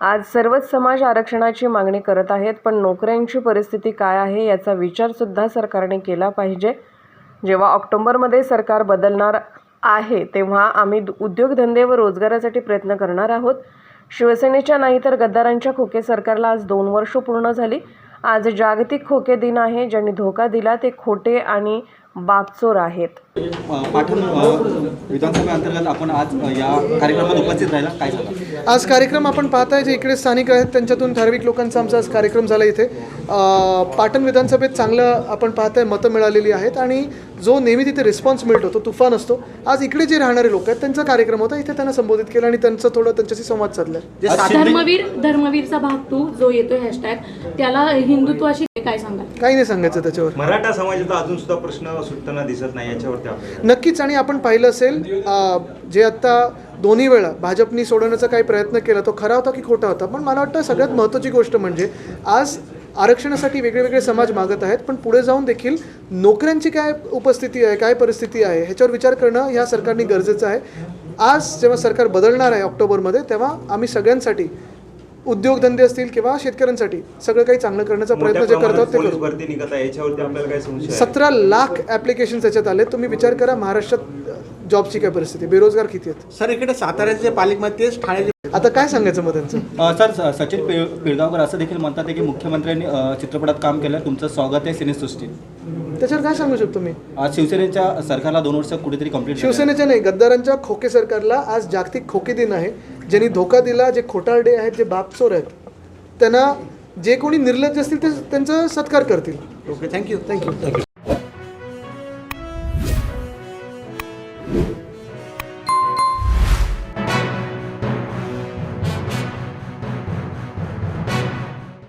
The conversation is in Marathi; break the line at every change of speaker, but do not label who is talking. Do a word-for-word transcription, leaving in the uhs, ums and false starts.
आज सर्वच समाज आरक्षणाची मागणी करत आहेत, पण नोकऱ्यांची परिस्थिती काय आहे याचा विचारसुद्धा सरकारने केला पाहिजे। जेव्हा ऑक्टोबरमध्ये सरकार बदलणार आहे तेव्हा आम्ही उद्योगधंदे व रोजगारासाठी प्रयत्न करणार आहोत। शिवसेनेच्या नाही तर गद्दारांच्या खोके सरकारला आज दोन वर्ष पूर्ण झाली। आज जागतिक खोके दिन आहे। ज्यांनी धोका दिला ते खोटे आणि बापचोर आहेत।
पाटण विधानसभा अंतर्गत आपण आज या कार्यक्रमात उपस्थित राहिला, काय सांगा?
आज कार्यक्रम आपण पाहताय जे इकडे स्थानिक आहेत त्यांच्यातून ठराविक लोकांचा आमचा आज कार्यक्रम झाला इथे। पाटण विधानसभेत चांगलं आपण पाहताय मतं मिळालेली आहेत आणि जो नेहमी तिथे रिस्पॉन्स मिळतो तो तुफान असतो। आज इकडे जे राहणारे लोक आहेत त्यांचा कार्यक्रम होता, इथे त्यांना संबोधित केलं आणि त्यांचं थोडं त्यांच्याशी संवाद साधला।
धर्मवीर धर्मवीरचा भाग टू जो येतोय हॅशटॅग त्याला हिंदुत्वाशी काय सांगाल?
काही नाही सांगायचं त्याच्यावर।
मराठा समाजाचा अजून सुद्धा प्रश्न सुटताना दिसत नाही याच्यावरती आपण
नक्कीच, आणि आपण पाहिलं असेल जे आता दोन्ही वेळा भाजपनी सोडवण्याचा काही प्रयत्न केला तो खरा होता की खोटा होता, पण मला वाटतं सगळ्यात महत्त्वाची गोष्ट म्हणजे आज आरक्षणासाठी वेगळे वेगळे समाज मागत आहेत, पण पुढे जाऊन देखील नोकऱ्यांची काय उपस्थिती आहे, काय परिस्थिती आहे ह्याच्यावर विचार करणं ह्या सरकारने गरजेचं आहे। आज जेव्हा सरकार बदलणार आहे ऑक्टोबरमध्ये, तेव्हा आम्ही सगळ्यांसाठी उद्योगधंदे असतील किंवा शेतकऱ्यांसाठी सगळं काही चांगलं करण्याचा प्रयत्न जे करतात ते करू।
भरती निघत आहे याच्यावरती आपल्याला काय संशय?
सतरा लाख ॲप्लिकेशन त्याच्यात आले। तुम्ही विचार करा महाराष्ट्रात जॉबची काय परिस्थिती, बेरोजगार किती आहेत।
सर इकडे साताऱ्याचे पालकमंत्री तेच ठाण्याचे
आता काय सांगायचं मग त्यांचं?
सर सचिन पिळगावकर असं देखील म्हणतात की मुख्यमंत्र्यांनी चित्रपटात काम केलं, तुमचं स्वागत आहे सिनेसृष्टीत।
त्याच्यावर काय सांगू शकतो मी?
आज शिवसेनेच्या सरकारला दोन वर्ष कुठेतरी कंप्लीट
शिवसेनेच्या नाही गद्दारांच्या खोके सरकारला आज जागतिक खोके दिन आहे। ज्यांनी धोका दिला, जे खोटारडे आहेत, जे बापचोर आहेत, त्यांना जे कोणी निर्लज्ज असतील ते त्यांचा सत्कार करतील।
Okay, thank you
thank you